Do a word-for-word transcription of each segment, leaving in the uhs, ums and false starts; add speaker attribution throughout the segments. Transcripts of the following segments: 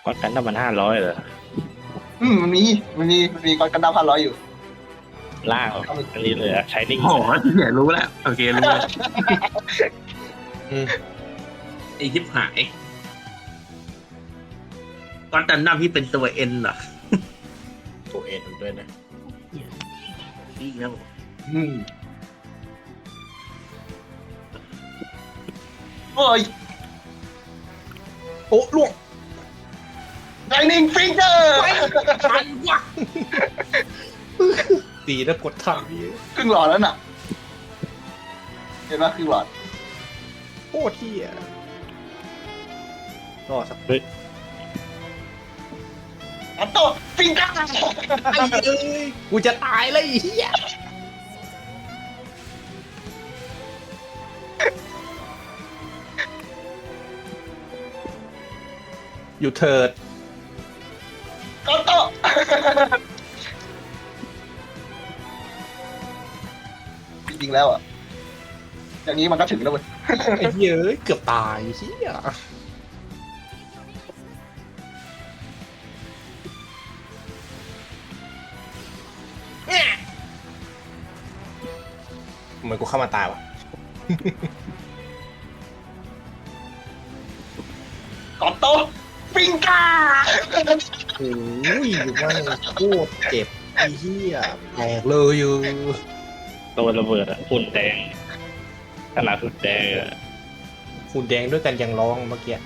Speaker 1: วัดกันถ้ามันห้าร้อยเหรอ
Speaker 2: อืมมันมีมันมีมันมีก้อนกันดาวพันร้อยอยู่
Speaker 1: ล่างอันนี้เลยใช้นิ่ง
Speaker 3: โอ้โหเนี่ยรู้แล้วโอเครู้แล้ว
Speaker 4: อืม
Speaker 3: ไอทิพหายก้อนตันน้ำที่เป็นตัวเอ็นเหรอ
Speaker 4: ตัวเอ็นด้วยนะ
Speaker 3: นี่แล้ว
Speaker 2: อืมโอ้ย
Speaker 4: โอ้ล่วง
Speaker 2: ไลนิ่งฟิงเกอร์
Speaker 3: มันวะ
Speaker 4: ตีแล้วกดทันพี่
Speaker 2: ครึ่งหลอดแล้วน่ะเห็นไหมครึ่งหลอด
Speaker 4: โคตรเที่ยรอสัก
Speaker 1: เฮ้ย
Speaker 2: อัตโต้ฟิงเกอร์
Speaker 4: ไอ้เอ้ยกูจะตายเลยไอ้เหี้ยอยู่เถิด
Speaker 2: อัตโต้จริงๆแล้วอ่ะอย่างนี้มันก็ถึงแล้วเว้ย
Speaker 4: ไอ้เหี้ยเอ้ยเกือบตายเหี้ยทำไมกูเข้ามาตายวะ
Speaker 2: อัตโต้ฟิงเกอร์
Speaker 4: โอ้ยมันโคตรเจ็บไอ้เหี้ยแตกเลยอยู่
Speaker 1: ตัวระเบิดอะหุ่นแดงขนาดหุ่นแดงอะ
Speaker 4: หุ่นแดงด้วยกันยังร้องเมื่อกี้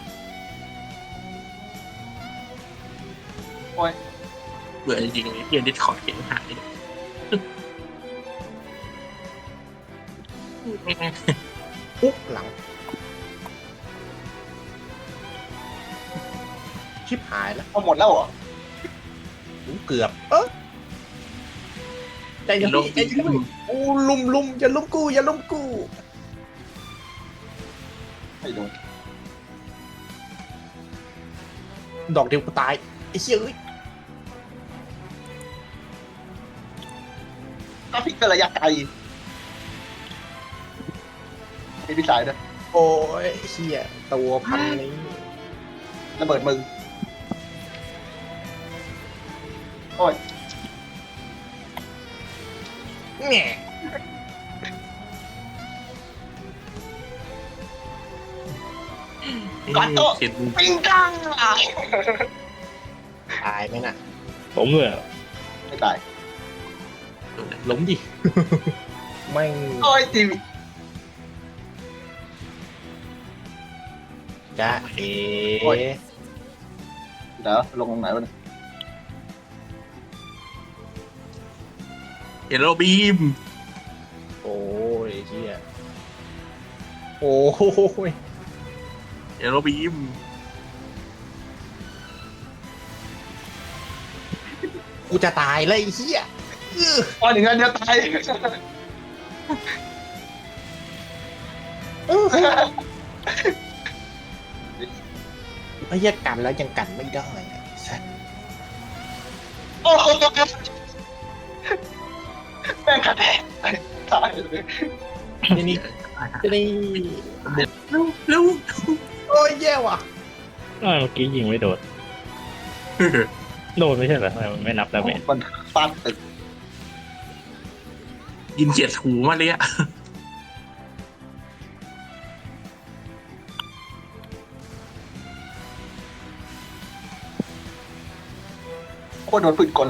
Speaker 2: โอ้ย
Speaker 3: เบื่อจริงๆเลยเพียนดิสคอร์ดเห็นหาย
Speaker 4: ปุ๊บหลัง ชิบหายแล้ว
Speaker 2: เอาหมดแล้วเหรอ
Speaker 4: กูเกือบ เออใจเย็น
Speaker 3: ลง
Speaker 4: ใจเย็นกูลุมลุมอย่าลุมกูอย่าลุมกู
Speaker 2: ไม่โดน
Speaker 4: ดอกเดียวกูตายไอ้เชี่ยเอ้ย
Speaker 2: ถ้าฟิงเกอร์ระยะไกลมีพิสัยด้วย
Speaker 4: โอ้ยไอ้เชี่ยตัวพันนี้
Speaker 2: ระเบิดมึงโอ้ย
Speaker 4: แง่
Speaker 2: อัตโต้
Speaker 3: เห็น
Speaker 2: ฟิงเกอร์
Speaker 4: ตายไหมน่ะ
Speaker 1: ผมเหรอ
Speaker 2: ไม่ตาย
Speaker 4: ล้มดิ แม่ง
Speaker 2: โอ้ยจีวี
Speaker 4: จ้าเอ๋
Speaker 2: เดี๋ยวลงตรงไหนวะเนี่ย
Speaker 3: เฮโรบีม
Speaker 4: โอ้ยไอ้เชี่ยโอ้ย
Speaker 3: เฮโรบีม
Speaker 4: กูจะตายเลยไอ้เชี่ยอื้อ
Speaker 2: อ๋อหนึ่งอันเดียวตาย
Speaker 4: ไอ้เหี้ยกันแล้วยังกันไม่ได้อะ
Speaker 2: โอ้โหแม่งขัดแย้งตายเลย
Speaker 4: นี่นี่นี่
Speaker 3: เร็วเร็ว
Speaker 4: โอ้ยแย่ว่ะ
Speaker 1: อ้าวเมื่อกี้ยิงไม่โดนโดนไม่ใช่เหรอทำไมมันไม่นับดาเมจ
Speaker 2: มันฟาดตึก
Speaker 3: ยินเฉียดหูมาเลยอะ
Speaker 2: โคตรโดนปืนกล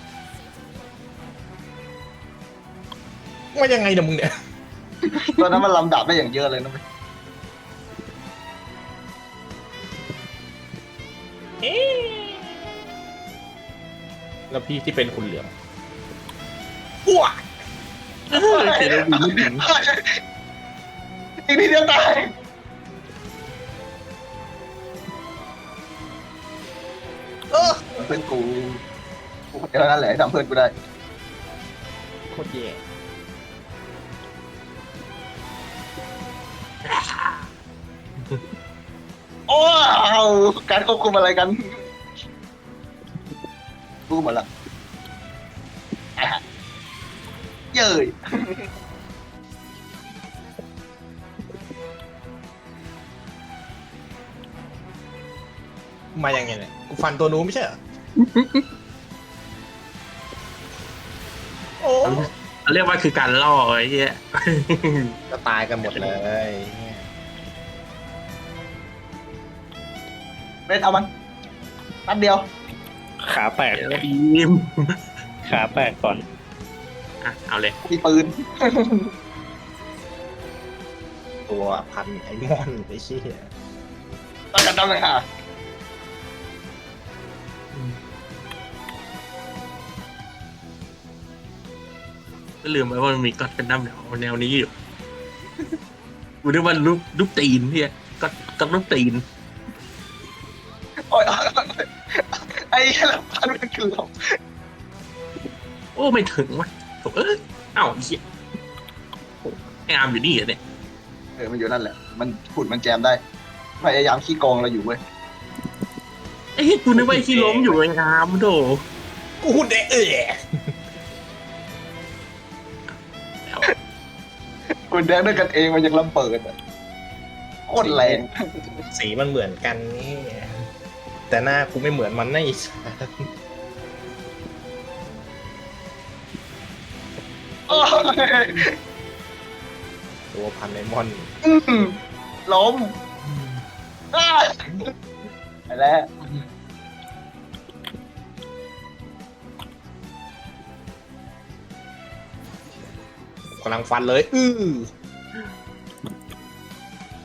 Speaker 4: ว่ายังไงเนี่ยมึงเนี่ย
Speaker 2: ตอนนั้นมันลำดับได้อย่างเยอะเลยนะเว้ย
Speaker 4: แล้วพี่ที่เป็นคุณเหลืองอ้วก
Speaker 3: เฮโรบีมไม่ถึง
Speaker 2: อีกนิดเดียวตายเออเพื่อนกูกูคนเดียวนั่นแหละที่ทำเพื่อนกูได้
Speaker 4: โคตรแย่
Speaker 2: โอ้าวการควบคุมอะไรกันรู้หมดละอ่ะเย้ย
Speaker 4: มายังไงเนี่ยกูฟันตัวนู้นไม่ใช่เหรอโอ้
Speaker 3: เขาเรียกว่าคือการล่อไอ้เหี้ย
Speaker 4: ก็ตายกันหมดเลย
Speaker 2: เล่นเอามันนัดเดียว
Speaker 1: ขาแตก
Speaker 3: เดี๋ยวบีม
Speaker 1: ขาแตกก่อน
Speaker 3: อ่ะเอาเลย
Speaker 2: มีปืน
Speaker 4: ตัวพันไอ้มอนไอ้เชี่ย
Speaker 2: ต้องกันต้องเลยค่ะ
Speaker 3: ก็ลืมไปว่ามันมีก็อดกันดั้มแนวแนวนี้อยู่กูนึกว่าลูกลูกตีนพี่ก็ก็ลูกตีน
Speaker 2: โอ้ยไอ้เหี้ยละพันมันคือหลบ
Speaker 3: โอ้ไม่ถึงวะโถ่เอ้ยเอ้าไอ้เหี้ยไอ้อาร์มอยู่นี่เหรอเนี่ย
Speaker 2: เออมันอยู่นั่นแหละมันขุดมันแจมได้พยายามขี้โกงเราอยู่เว้ย
Speaker 3: ไอ้เหี้ยกูนึกว่าไอ้ที่ล้มอยู่ไอ้อาร์มโถ
Speaker 4: กูหุ่นเดะเอ๋
Speaker 3: แล้ว
Speaker 2: คุณแดงด้วยกันเองมันยังลำเปิดอ่ะโคตรแรง
Speaker 4: สีมันเหมือนกันนี่แต่หน้ากูไม่เหมือนมันนะไอ้สัส
Speaker 2: โอ้ย
Speaker 4: ตัวพันไอ้มอน
Speaker 2: อืมล้มอ้าไปแล้ว
Speaker 4: กำลังฟันเลย อื้อ